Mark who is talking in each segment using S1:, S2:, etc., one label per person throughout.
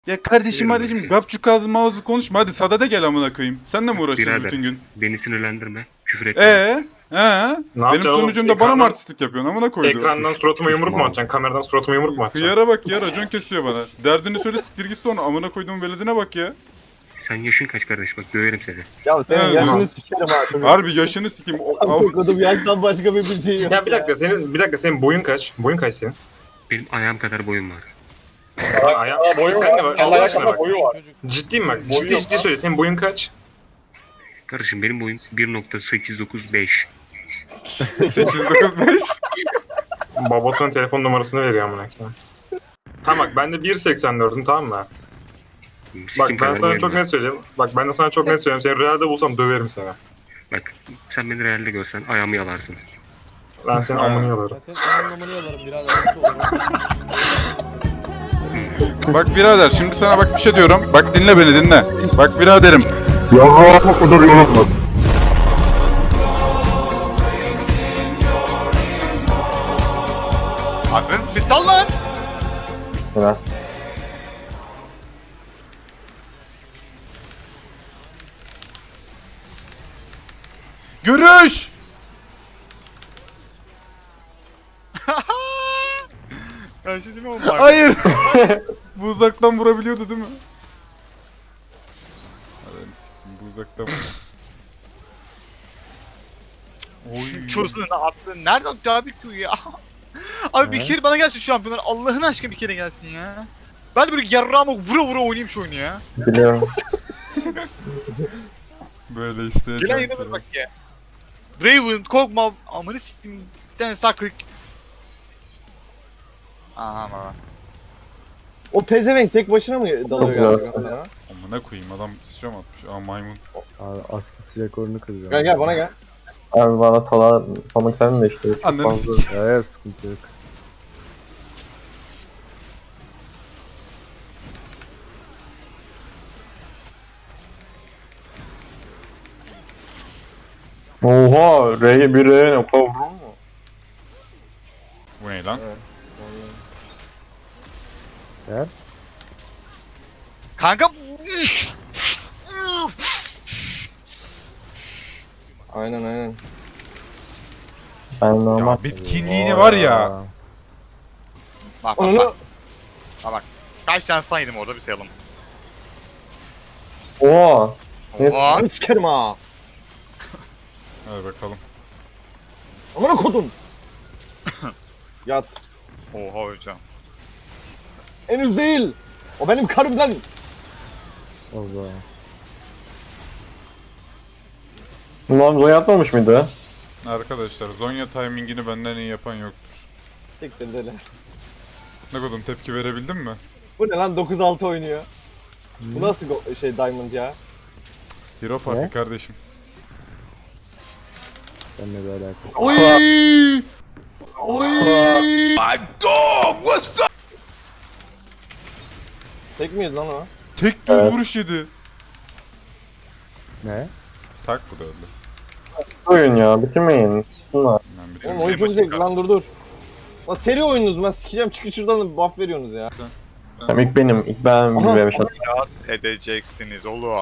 S1: Ya kardeşim gapçuk ağzı mağazı konuşma, hadi sadede gel amına koyayım. Sen de mi uğraşacağız
S2: Birader,
S1: bütün gün?
S2: beni sinirlendirme. Küfür etme.
S1: He?
S3: Ne
S1: Benim
S3: yapacaksın oğlum?
S1: sonucumda bana mı artistlik yapıyorsun amına koydu?
S3: Ekrandan suratıma
S2: Sus,
S3: yumruk mu
S2: mal.
S3: atacaksın? Kameradan suratıma yumruk mu atacaksın?
S1: Hıyara bak ya, racon kesiyor bana. Derdini söyle, siktir git sonra, amına koyduğum veledine bak ya.
S2: Sen yaşın kaç kardeş, bak döverim seni.
S4: Ya senin
S1: Evet,
S4: yaşını
S3: tamam.
S4: sikerim ha çocuk.
S1: Harbi yaşını sikeyim.
S4: Çok kodum yaştan başka bir bildiğin yok.
S3: Ya bir dakika senin boyun kaç? Boyun kaç senin?
S2: Benim ayağım kadar boyum var.
S3: Boyu var. Allah aşkına bak.
S4: boyu var.
S3: Ciddiyim bak.
S4: Boyu yok
S3: Ciddi söyle. Senin boyun kaç?
S2: Kardeşim benim boyum 1.895.
S1: 895.
S3: Babasının telefon numarasını veriyor amına koyayım. Tamam bak ben de 1.84'üm, tamam mı? Bak ben sana çok net söyleyeyim. Bak ben de sana çok net söyleyeyim. Seni realde bulsam döverim seni.
S2: Bak sen beni realde görsen ayağımı yalarsın.
S3: Ben senin amını yalarım.
S5: Ben senin anlamını yalarım birader. Nasıl olur?
S1: Bak birader, şimdi sana bak bir şey diyorum. Bak dinle beni, dinle. Bak biraderim.
S6: Abi bir sal lan.
S4: Evet.
S1: Görüş!
S6: Ben şey diyeyim mi oğlum?
S1: Hayır! Bu uzaktan vurabiliyordu değil mi? Hadi sikeyim, bu uzaktan vur. Oy.
S6: Çözünü attın. Nerede attı abi Q ya? Abi bir kere bana gelsin şampiyonlar. Allah'ın aşkına bir kere gelsin ya. Ben de böyle yarrağıma vura vura oynayayım şu oyunu ya.
S4: Biliyorum.
S1: Böyle işte.
S6: Gelen yine bak ya. Raven, Kog'Maw, amanı siktim. Bir tane Sakrik. Aha ama.
S4: O pezevenk tek başına mı dalıyor gerçekten sana?
S1: Amına koyayım, adam sıçram atmış. Aa, maymun.
S7: Abi asist rekorunu kıracağım.
S4: Gel gel bana gel.
S8: Abi bana salmak istedim de işte. çok
S1: Ananı
S8: fazla.
S7: Evet sıkıntı yok.
S8: Oha, bir R'ye ne kadar vurur mu?
S1: Bu ne lan?
S7: Gel.
S6: Kanka.
S4: Aynen.
S8: Ben normal.
S1: Ya bitkinliğini var ya.
S6: Bak bak
S4: Onu
S6: bak. Bak. Kaç tane stun yedim orada bir sayalım.
S8: Oha. Evet.
S6: Oha.
S4: ben sikerim ha.
S1: Hadi bakalım.
S4: Amına kodum. Yat.
S6: Oha hocam.
S4: Henüz değil. O benim karımdan.
S7: Allah.
S8: Bunlar Zonya atmamış mıydı?
S1: Arkadaşlar, Zonya timingini benden iyi yapan yoktur.
S4: Siktir deli.
S1: Ne kadar tepki verebildin mi?
S4: Bu ne lan 9-6 oynuyor. Bu nasıl Diamond ya?
S1: Hero Party
S7: Ne?
S1: kardeşim.
S7: Seninle bir alakalı.
S1: Oy! Oy!
S4: Tek miyiz lan o?
S1: Tek düz
S8: Evet.
S1: vuruş yedi.
S7: Ne?
S1: Tak, bu da öldü.
S8: Oyun ya, bitirmeyin. Susunlar.
S1: Ben biliyorum.
S4: Oğlum oyun çok zevkli lan dur. Lan seri oyununuz ben sikeceğim çıkın şuradan buff veriyorsunuz ya.
S8: Tamam, ilk ben
S4: Aha.
S8: bir vermiş atayım.
S6: Ya edeceksiniz oğlum.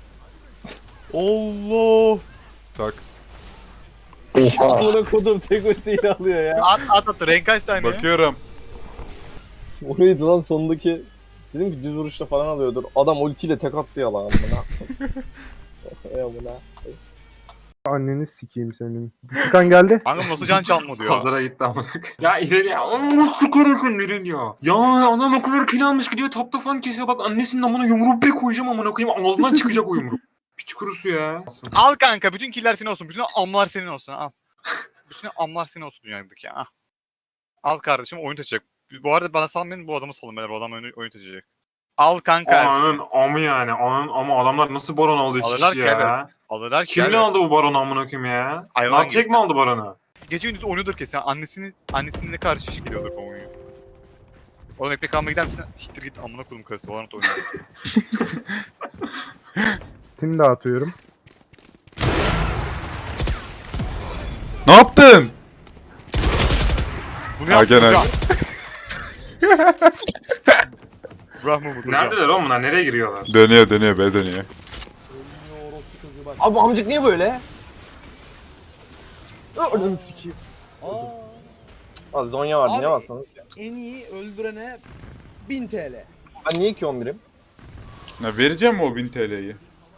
S1: Allah! Tak.
S8: Oha.
S4: Amına kodum tek ultiyi alıyor ya.
S6: At renk kaç tane?
S1: Bakıyorum.
S4: Oraydı lan sondaki. Dedim ki düz vuruşla falan alıyordur. Adam ultiyle tek attı ya lan amına. Ey amına.
S7: Anneni sikeyim senin. Furkan geldi.
S6: Kanka nasıl can çalma diyor.
S3: Pazara gitti amına koyayım. Ya ileri ya. Onu nasıl koruyorsun ileri ya? Ya adam o kadar kill almış gidiyor tapta falan kesiyor. Bak annesinin amına yumruğu bir koyacağım amına koyayım. Ağzından çıkacak o yumruk. Piç kurusu ya.
S6: Al kanka bütün killer senin olsun. Bütün amlar senin olsun al. Bütün amlar senin olsun dünyadaki ya. Al. Al kardeşim oyun taşıyacak. Bu arada bana salmayın bu adamı salın beyler. Bu adam oyun taşıyacak. Al kanka her şeyi.
S3: Ananın amı yani. Ananın ama adamlar nasıl baron aldı iki
S6: Alırlar
S3: kişi
S6: ki
S3: ya?
S6: Alırlar ki.
S3: Kimle
S6: evet.
S3: aldı bu baronu amına koyayım ya?
S6: Hayvan
S3: Nartek
S6: gibi.
S3: mi aldı baronu?
S6: Gece gündüz oynuyordur kesin. Annesinin ne kadar şişik geliyordur bu oyunu. Oğlum ekmek almaya gider misin? Siktir git amına koydum karısı. Valorant oynuyor.
S7: Tim dağıtıyorum.
S1: Ne yaptın?
S6: Bunu yaptın
S1: gene.
S6: hocam. Brahma mı?
S3: Neredeler oğlum bunlar? Nereye giriyorlar?
S1: Dönüyor be dönüyor.
S5: Ölmüyor orospu çocuğu bak.
S4: Abi amcık niye böyle? Ananı sikeyim.
S5: Aa,
S4: Abi Zonya vardı
S5: Abi-
S4: ne varsanız.
S5: en iyi öldürene 1000 TL.
S4: Ben niye 2-11'im?
S1: Ya vereceğim mi o 1000 TL'yi?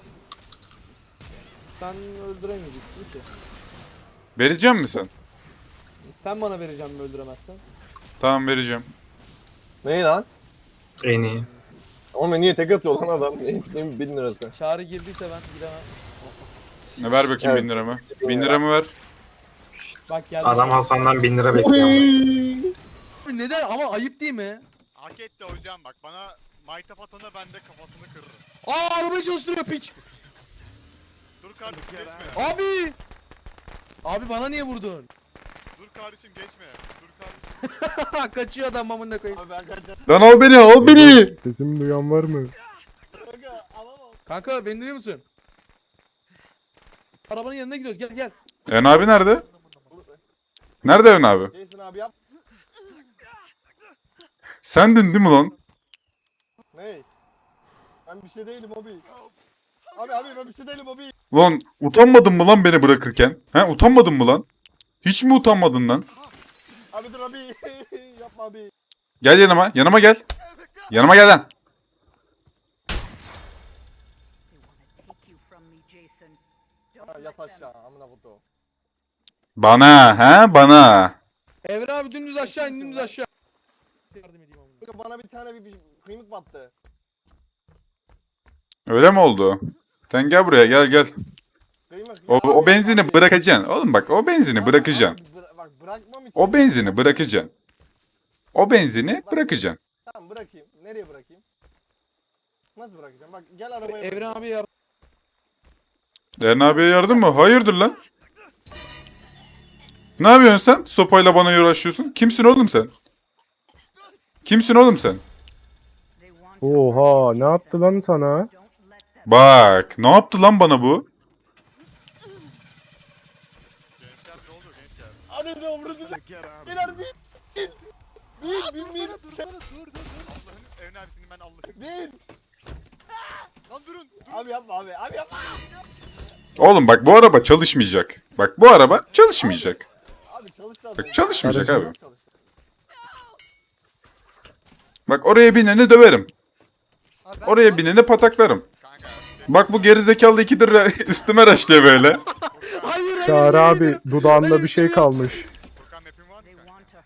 S5: Sen öldüremeyeceksin ki.
S1: Vereceğim mi sen?
S5: Sen bana vereceksin mi öldüremezsen?
S1: Tamam vereceğim.
S4: Neyi lan?
S3: En iyi.
S4: Oğlum niye tek atıyor lan adam? Benim 1000 lirası.
S5: Çağrı girdiyse ben giremem.
S1: Ne ver bakayım
S4: Evet.
S1: 1000 liramı. 1000 liramı ver.
S5: Bak geldi.
S3: Adam Hasan'dan 1000 lira bekliyor.
S5: Abi neden ama ayıp değil mi?
S6: Hak etti hocam bak bana maytap atana ben de kafasını kırırım.
S5: Aa arabayı çalıştırıyor piç.
S6: Dur kardeşim geçme.
S5: Abi. Abi bana niye vurdun?
S6: Dur kardeşim geçme. Dur kardeşim.
S5: Kaçıyor adam amına koyayım.
S4: Abi ben kaçacağım.
S1: Lan al beni al beni.
S7: Sesimi duyan var mı?
S5: Kanka beni duyuyor musun? Arabanın yanına gidiyoruz gel gel.
S1: Ön abi nerede? Nerede Ön abi?
S4: Jason abi yap.
S1: Sendin değil mi lan?
S4: Ney? Ben bir şey değilim abi. Abi ben bir şey değilim abi.
S1: Lan utanmadın mı lan beni bırakırken? He utanmadın mı lan? Hiç mi utanmadın lan?
S4: Abi dur abi. Yapma abi.
S1: Gel yanıma. Yanıma gel. Yanıma gel lan.
S4: Ha, yat aşağı amına koyduğum.
S1: Bana he bana.
S5: Evren abi dümdüz aşağı in dümdüz aşağı. Yardım edeyim amına.
S4: Kanka bana bir tane bir kıymık battı.
S1: Öyle mi oldu? Sen gel buraya gel.
S4: Kıymık.
S1: O benzini bırakacaksın. Oğlum bak o benzini bırakacaksın.
S4: Bak bırakmam için.
S1: O benzini bırakacaksın. O benzini bırakacaksın.
S4: Tamam bırakayım. Nereye bırakayım? Nasıl bırakacağım? Bak gel arabaya.
S5: Evren abi yardım.
S1: Eren abiye yardım mı? Hayırdır lan? Ne yapıyorsun sen? Sopayla bana uğraşıyorsun. Kimsin oğlum sen? Kimsin oğlum sen?
S7: Oha ne yaptı lan sana?
S1: Bak ne yaptı lan bana bu?
S6: Gençler ne oluyor gençler?
S4: Hadi ne olur Beyler bin. Bin.
S6: Allah'ın evin abisini ben Allah'ın.
S4: Bin.
S6: Lan durun.
S4: Abi yapma abi. Abi yapma.
S1: Oğlum bak bu araba çalışmayacak. Bak bu araba çalışmayacak.
S4: Abi çalış lan.
S1: Bak çalışmayacak abi.
S4: Çalış.
S1: Bak oraya bineni döverim. Oraya bineni pataklarım.
S6: Kanka.
S1: Bak bu gerizekalı ikidir üstüme raşlıyor böyle.
S5: Hayır
S7: Çağrı abi
S5: hayır.
S7: dudağında bir şey kalmış.
S6: Furkan map'in var mı kanka?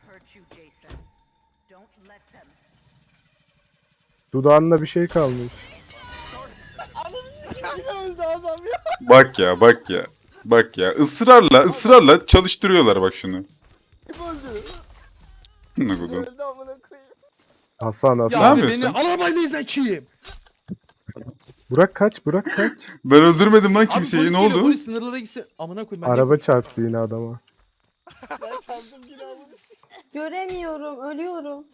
S7: Dudağında bir şey kalmış.
S4: Yine öldü adam ya.
S1: Bak ya ısrarla çalıştırıyorlar bak şunu.
S4: Kim öldü?
S1: Ne
S4: Kim
S1: kodum.
S4: öldü amına koyayım.
S7: Hasan
S5: Ya
S7: Hasan.
S1: Ne
S5: abi
S1: yapıyorsun?
S5: beni arabayla izleyeyim.
S7: Burak kaç.
S1: Ben öldürmedim lan
S5: Abi
S1: kimseyi
S5: polis
S1: ne
S5: geliyor,
S1: oldu?
S5: Polis sınırlara gitse. Amına koyayım ben.
S7: Araba çarptı yine adama.
S4: Ben sandım yine amına.
S9: Göremiyorum, ölüyorum.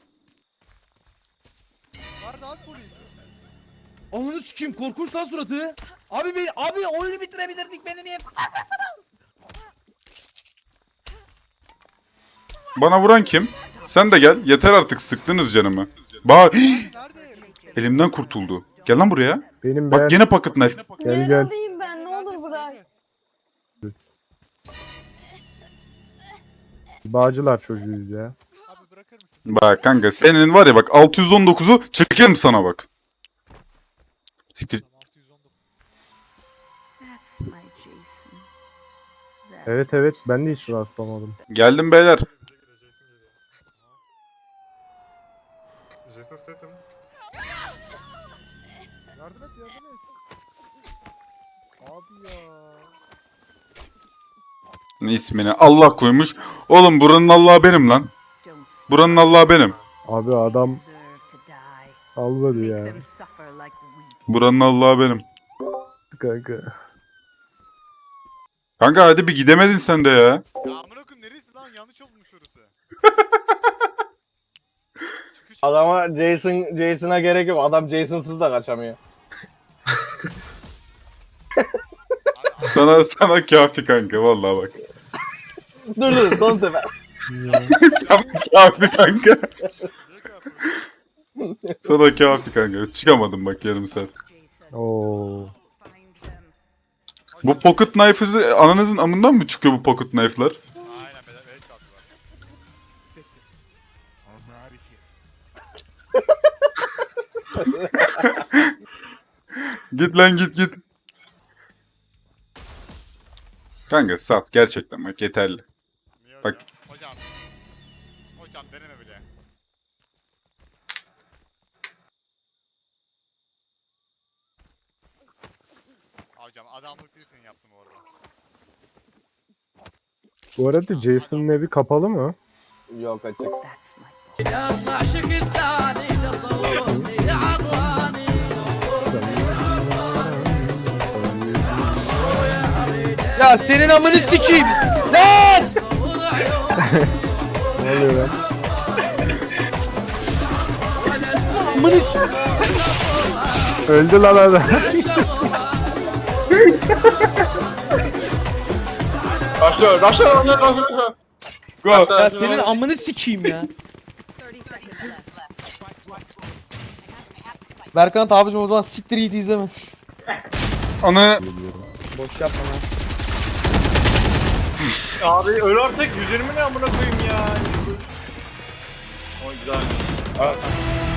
S6: Nerede abi polis?
S5: Ananı sikeyim korkunç lan suratı. Abi oyunu bitirebilirdik beni niye?
S1: Bana vuran kim? Sen de gel. Yeter artık sıktınız canımı. Bak
S6: Nerede?
S1: elimden kurtuldu. Gel lan buraya.
S7: Benim ben
S1: Bak gene pocket knife.
S7: Gel, gel.
S9: Yaralıyım ben, ne olur bırak.
S7: Bağcılar çocuğuyuz ya.
S6: Abi bırakır mısın?
S1: Bak kanka senin var ya bak 619'u çekerim sana bak. Siktir.
S6: Tamam 619.
S7: Evet ben de hiç rastlamadım.
S1: Geldim beyler.
S3: Jason Statham.
S7: Yardım et. Abi ya.
S1: Ne ismini Allah koymuş. Oğlum buranın Allah'ı benim lan. Buranın Allah'ı benim.
S7: Abi adam almadı ya.
S1: Buranın Allah'ı benim.
S7: Kanka.
S1: Kanka hadi bir gidemedin sen de ya.
S6: Ya amına koyayım neresi lan yanlış olmuş orası.
S4: Adama Jason'a gerek yok. Adam Jason'sız da kaçamıyor.
S1: Sana kafi kanka vallahi bak.
S4: Dur son sefer.
S1: Sana kafi kanka.
S6: Niye kapatıyorsun?
S1: Sana kafi kanka. Çıkamadım bak yarım saat.
S7: Oo.
S1: Bu pocket knife'ı ananızın amından mı çıkıyor bu pocket knife'lar?
S6: Aynen beyler evet kaldılar.
S1: Git lan git. Kanka sat gerçekten bak yeterli.
S6: Niye
S1: Bak.
S6: hocam? Hocam deneme bile. Hocam adamlık değil senin yaptın bu arada.
S7: Bu arada Jason'ın evi kapalı mı?
S4: Yok açık.
S5: Ya senin amını sikeyim. Lan!
S7: Ne oluyor lan?
S5: Amını
S7: Öldü lan adam.
S3: Başlıyor.
S1: Go.
S5: Ya senin amını sikeyim ya. Berkant abicim o zaman siktir git izleme.
S1: Ana
S5: Boş yapma lan.
S3: Abi öl artık 120 ne amına koyayım ya. O güzel.